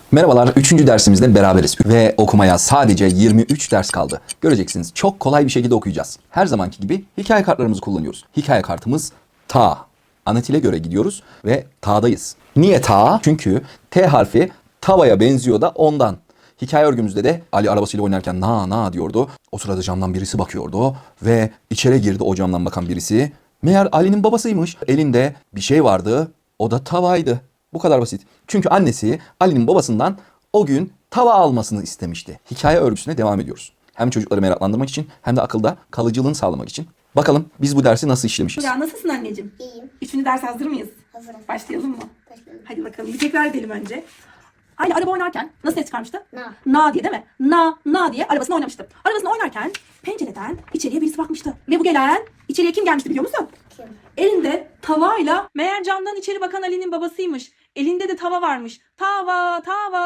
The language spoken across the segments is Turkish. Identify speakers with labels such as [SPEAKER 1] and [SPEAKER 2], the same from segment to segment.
[SPEAKER 1] Merhabalar, 3. dersimizde beraberiz ve okumaya sadece 23 ders kaldı. Göreceksiniz, çok kolay bir şekilde okuyacağız. Her zamanki gibi hikaye kartlarımızı kullanıyoruz. Hikaye kartımız ta. Anatile göre gidiyoruz ve ta'dayız. Niye ta? Çünkü T harfi tavaya benziyor da ondan. Hikaye örgümüzde de Ali arabasıyla oynarken na diyordu. O sırada camdan birisi bakıyordu ve içeri girdi o camdan bakan birisi. Meğer Ali'nin babasıymış. Elinde bir şey vardı, o da tavaydı. Bu kadar basit. Çünkü annesi Ali'nin babasından o gün tava almasını istemişti. Hikaye örgüsüne devam ediyoruz. Hem çocukları meraklandırmak için hem de akılda kalıcılığını sağlamak için. Bakalım biz bu dersi nasıl işlemişiz?
[SPEAKER 2] Ya nasılsın anneciğim?
[SPEAKER 3] İyiyim.
[SPEAKER 2] 3. ders hazır mıyız?
[SPEAKER 3] Hazırım.
[SPEAKER 2] Başlayalım mı?
[SPEAKER 3] Başlayalım.
[SPEAKER 2] Hadi bakalım. Bir tekrar edelim önce. Ali araba oynarken nasıl ses çıkarmıştı?
[SPEAKER 3] Na.
[SPEAKER 2] Na diye değil mi? Na diye arabasını oynamıştı. Arabasını oynarken pencereden içeriye birisi bakmıştı. Ve bu gelen içeriye kim gelmişti biliyor musun?
[SPEAKER 3] Kim?
[SPEAKER 2] Elinde tavayla. Meğer camdan içeri bakan Ali'nin babasıymış. Elinde de tava varmış. Tava.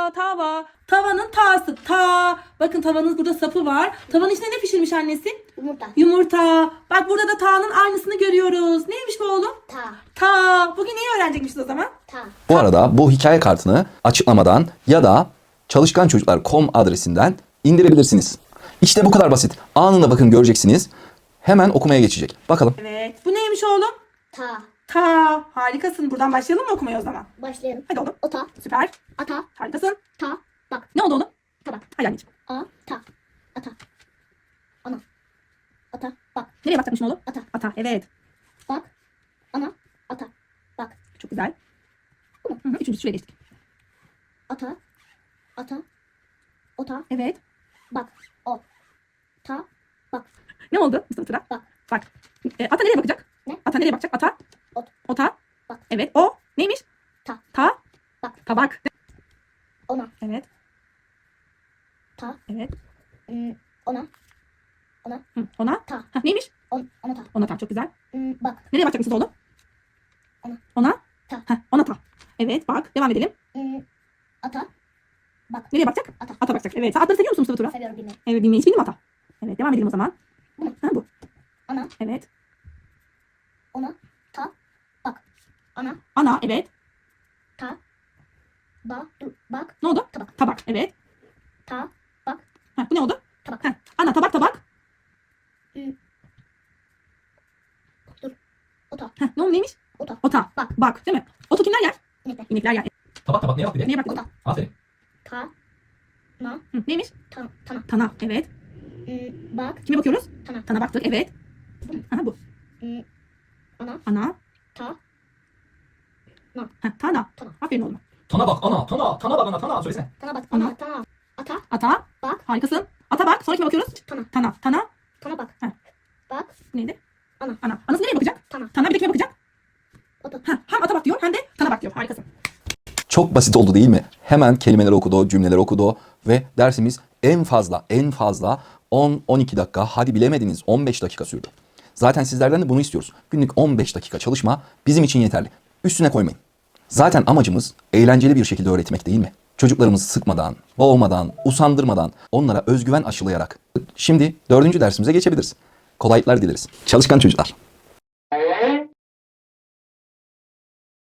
[SPEAKER 2] Tavanın ta'sı ta. Bakın tavanın burada sapı var. Tavanın içine ne pişirmiş annesi?
[SPEAKER 3] Yumurta.
[SPEAKER 2] Yumurta. Bak burada da ta'nın aynısını görüyoruz. Neymiş bu oğlum?
[SPEAKER 3] Ta.
[SPEAKER 2] Ta. Bugün neyi öğrenecekmişiz o zaman?
[SPEAKER 3] Ta.
[SPEAKER 1] Bu arada bu hikaye kartını açıklamadan ya da çalışkançocuklar.com adresinden indirebilirsiniz. İşte bu kadar basit. Anında bakın göreceksiniz. Hemen okumaya geçecek. Bakalım.
[SPEAKER 2] Evet. Bu neymiş oğlum?
[SPEAKER 3] Ta.
[SPEAKER 2] Ta. Harikasın. Buradan başlayalım mı okumaya o zaman?
[SPEAKER 3] Başlayalım.
[SPEAKER 2] Hadi oğlum.
[SPEAKER 3] Ota.
[SPEAKER 2] Süper.
[SPEAKER 3] Ata.
[SPEAKER 2] Harikasın.
[SPEAKER 3] Ta. Bak.
[SPEAKER 2] Ne oldu oğlum?
[SPEAKER 3] Tabak.
[SPEAKER 2] Hadi anneciğim.
[SPEAKER 3] A. Ta. Ata. Ana. Ata. Bak.
[SPEAKER 2] Nereye bakacakmışım oğlum?
[SPEAKER 3] Ata.
[SPEAKER 2] Ata. Evet.
[SPEAKER 3] Bak. Ana. Ata. Bak.
[SPEAKER 2] Çok güzel. Hı hı. Üçüncü süreye geçtik.
[SPEAKER 3] Ata. Ata. Ota.
[SPEAKER 2] Evet.
[SPEAKER 3] Bak. O. Ta. Bak.
[SPEAKER 2] Ne oldu Mustafa Tura?
[SPEAKER 3] Bak.
[SPEAKER 2] Bak. Ata nereye bakacak?
[SPEAKER 3] Ne?
[SPEAKER 2] Ata nereye bakacak? Ata.
[SPEAKER 3] Ot.
[SPEAKER 2] Ota.
[SPEAKER 3] Bak.
[SPEAKER 2] Evet. O. Neymiş?
[SPEAKER 3] Ta.
[SPEAKER 2] Ta.
[SPEAKER 3] Bak.
[SPEAKER 2] Tabak.
[SPEAKER 3] Ona.
[SPEAKER 2] Evet.
[SPEAKER 3] Ta.
[SPEAKER 2] Evet.
[SPEAKER 3] Ona. Ona.
[SPEAKER 2] Hı. Ona.
[SPEAKER 3] Ta.
[SPEAKER 2] Ha, neymiş?
[SPEAKER 3] Ona ta.
[SPEAKER 2] Ona ta. Çok güzel.
[SPEAKER 3] Bak.
[SPEAKER 2] Nereye bakacak Mustafa oğlum?
[SPEAKER 3] Ona.
[SPEAKER 2] Ona.
[SPEAKER 3] Ta.
[SPEAKER 2] Ha, ona ta. Evet. Bak. Devam edelim.
[SPEAKER 3] Ata. Bak.
[SPEAKER 2] Nereye bakacak?
[SPEAKER 3] Ata.
[SPEAKER 2] Ata bakacak. Evet. Sen atları seviyor musun Mustafa Tura?
[SPEAKER 3] Seviyorum bilmeyi.
[SPEAKER 2] Evet. Bilmeyi hiç bildin mi ata? Evet. Devam edelim o zaman.
[SPEAKER 3] Bu mu?
[SPEAKER 2] Ha, bu.
[SPEAKER 3] Ana.
[SPEAKER 2] Evet.
[SPEAKER 3] Ona. Ta. Bak. Ana.
[SPEAKER 2] Ana. Evet.
[SPEAKER 3] Ta. Ba. Dur. Bak.
[SPEAKER 2] Ne oldu?
[SPEAKER 3] Tabak.
[SPEAKER 2] Tabak. Evet.
[SPEAKER 3] Ta. Bak.
[SPEAKER 2] Ha, bu ne oldu?
[SPEAKER 3] Tabak.
[SPEAKER 2] Ha, ana tabak.
[SPEAKER 3] Dur. Ota.
[SPEAKER 2] Ha, ne oldu neymiş?
[SPEAKER 3] Ota.
[SPEAKER 2] Ota.
[SPEAKER 3] Bak.
[SPEAKER 2] Bak değil mi? Otu kimler yer?
[SPEAKER 3] İnekler.
[SPEAKER 2] İnekler yer.
[SPEAKER 1] Tabak neye bak bir de?
[SPEAKER 2] Neye bak?
[SPEAKER 3] Ota.
[SPEAKER 1] Aferin.
[SPEAKER 3] Ta. Na.
[SPEAKER 2] Hı, neymiş?
[SPEAKER 3] Ta. Tana.
[SPEAKER 2] Tana. Evet.
[SPEAKER 3] Bak.
[SPEAKER 2] Kime bakıyoruz?
[SPEAKER 3] Tana.
[SPEAKER 2] Tana baktık. Evet. Aha bu.
[SPEAKER 3] Ana.
[SPEAKER 2] Ana.
[SPEAKER 3] Ta.
[SPEAKER 2] Ha, tana.
[SPEAKER 3] Tana.
[SPEAKER 2] Aferin oğlum.
[SPEAKER 4] Tana bak ana, tana bak ana, tana söylesene.
[SPEAKER 3] Tana bak.
[SPEAKER 2] Ana.
[SPEAKER 3] Ana. Tana. Ata.
[SPEAKER 2] Ata.
[SPEAKER 3] Bak.
[SPEAKER 2] Harikasın. Ata bak. Sonra kime bakıyoruz?
[SPEAKER 3] Tana.
[SPEAKER 2] Tana. Tana.
[SPEAKER 3] Tana bak.
[SPEAKER 2] Ha.
[SPEAKER 3] Bak.
[SPEAKER 2] Bu neydi?
[SPEAKER 3] Ana.
[SPEAKER 2] Ana. Anası nereye bakacak?
[SPEAKER 3] Tana.
[SPEAKER 2] Tana bir de kime bakacak?
[SPEAKER 3] Ota.
[SPEAKER 2] Ha, hem ata bak diyor hem de tana bak diyor. Harikasın.
[SPEAKER 1] Çok basit oldu değil mi? Hemen kelimeleri okudu, cümleleri okudu ve dersimiz en fazla 10-12 dakika, hadi bilemediniz 15 dakika sürdü. Zaten sizlerden de bunu istiyoruz. Günlük 15 dakika çalışma bizim için yeterli. Üstüne koymayın. Zaten amacımız eğlenceli bir şekilde öğretmek değil mi? Çocuklarımızı sıkmadan, boğmadan, usandırmadan, onlara özgüven aşılayarak. Şimdi 4. dersimize geçebiliriz. Kolaylıklar dileriz. Çalışkan çocuklar.